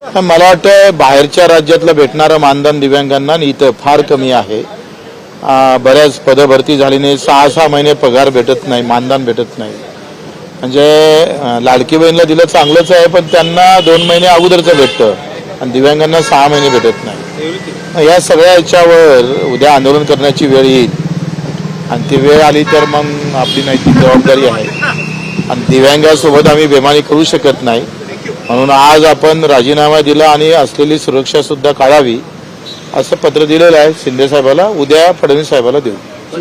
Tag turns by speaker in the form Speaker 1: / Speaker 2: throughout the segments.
Speaker 1: मला वाटतं बाहेरच्या राज्यातलं भेटणारं मानधन दिव्यांगांना इथं फार कमी आहे. बऱ्याच पदभरती झाली नाही, 6-6 महिने पगार भेटत नाही, मानधन भेटत नाही. म्हणजे लाडकी बहीणला दिलं चांगलंच आहे, पण त्यांना 2 महिने अगोदरचं भेटतं आणि दिव्यांगांना 6 महिने भेटत नाही. या सगळ्या याच्यावर उद्या आंदोलन करण्याची वेळ येईल आणि ती वेळ आली तर मग आपली नैतिक जबाबदारी आहे आणि दिव्यांगासोबत आम्ही बेमानी करू शकत नाही. म्हणून आज आपण राजीनामा दिला आणि असलेली सुरक्षा सुद्धा काढावी असं पत्र दिलेलं आहे शिंदे साहेबाला. उद्या फडणवीस साहेबाला देऊ.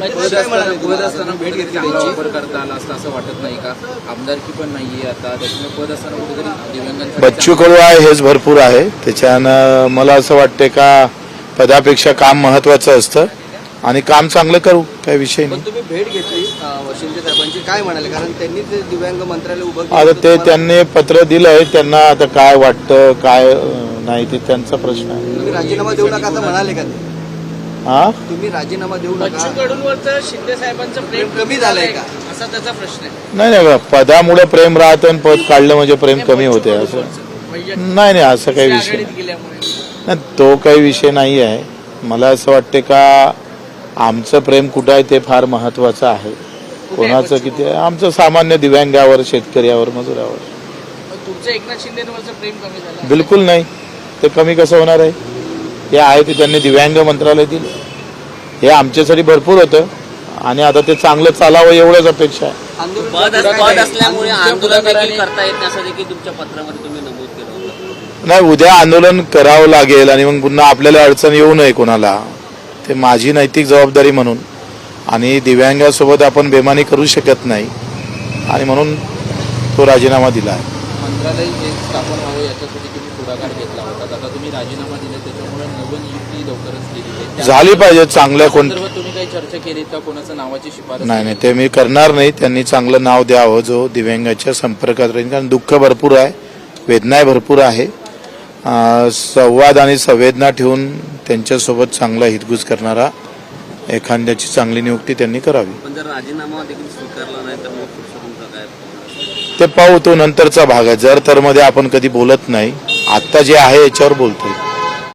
Speaker 1: बच्चू कडू आहे हेच भरपूर आहे. त्याच्यानं मला असं वाटते का पदापेक्षा काम महत्वाचं असतं आणि काम चांगलं करू, काही विषय नाही.
Speaker 2: तुम्ही भेट घेतली शिंदे साहेबांची, काय म्हणाले? कारण त्यांनी ते दिव्यांग मंत्रालय उभं
Speaker 1: आता ते त्यांनी पत्र दिलंय, त्यांना आता काय वाटतं काय नाही ते त्यांचा प्रश्न आहे.
Speaker 2: तुम्ही राजीनामा देऊ नका असं म्हणाले का ते? तुम्ही राजीनामा देऊ नका.
Speaker 3: बच्चू कडूंवरचं शिंदे साहेबांचं प्रेम
Speaker 2: कमी झालंय का
Speaker 3: असा त्याचा प्रश्न आहे.
Speaker 1: नाही पदामुळे प्रेम राहतं आणि पद काढलं म्हणजे प्रेम कमी होते असं नाही. असं काही विषय नाही, तो काही विषय नाही आहे. मला असं वाटते का आमचं प्रेम कुठं आहे ते फार महत्वाचं आहे. कोणाचं किती आहे? आमचं सामान्य दिव्यांगावर, शेतकऱ्यावर, मजुरावर.
Speaker 3: तुमचं एकनाथ शिंदेवरचं प्रेम कमी झालं?
Speaker 1: बिलकुल नाही. ते कमी कसं होणार आहे? हे आहे ते त्यांनी दिव्यांग मंत्रालय दिलं, हे आमच्यासाठी भरपूर होतं आणि आता ते चांगलं चालावं एवढंच अपेक्षा आहे.
Speaker 3: पद असल्यामुळे आंदोलन देखील करता येत नाही असं देखील तुमच्या पत्रामध्ये तुम्ही नमूद केलं होतं.
Speaker 1: नाही, उद्या आंदोलन करावं लागेल आणि मग पुन्हा आपल्याला अडचण येऊ नये कोणाला. ते माझी नैतिक जबाबदारी म्हणून आणि दिव्यांगासोबत आपण बेमानी करू शकत नाही आणि म्हणून तो राजीनामा दिला आहे.
Speaker 4: मंत्रालय स्थापन व्हावं याच्यासाठी तुम्ही पुढाकार घेतला होता, आता तुम्ही राजीनामा दिला त्याच्यामुळे नवनियुक्ती लवकरच केली
Speaker 1: झाली पाहिजे. चांगल्या
Speaker 4: तुम्ही काही चर्चा केली का? कोणाचं नावाची शिफारस?
Speaker 1: नाही ते मी करणार नाही. त्यांनी चांगलं नाव द्यावं जो दिव्यांगाच्या संपर्कात राहील, कारण दुःख भरपूर आहे, वेदना भरपूर आहे. संवाद आणि संवेदना ठेवून त्यांच्यासोबत चांगला हितगुज करणारा एखाद्याची चांगली नियुक्ती त्यांनी करावी.
Speaker 3: पण जर राजीनामा देखील स्वीकारला नाही तर मग तुमचं काय?
Speaker 1: ते पाहू, तो नंतरचा भाग आहे. जर तर मध्ये आपण कधी बोलत नाही, आता जे आहे याच्यावर बोलतोय.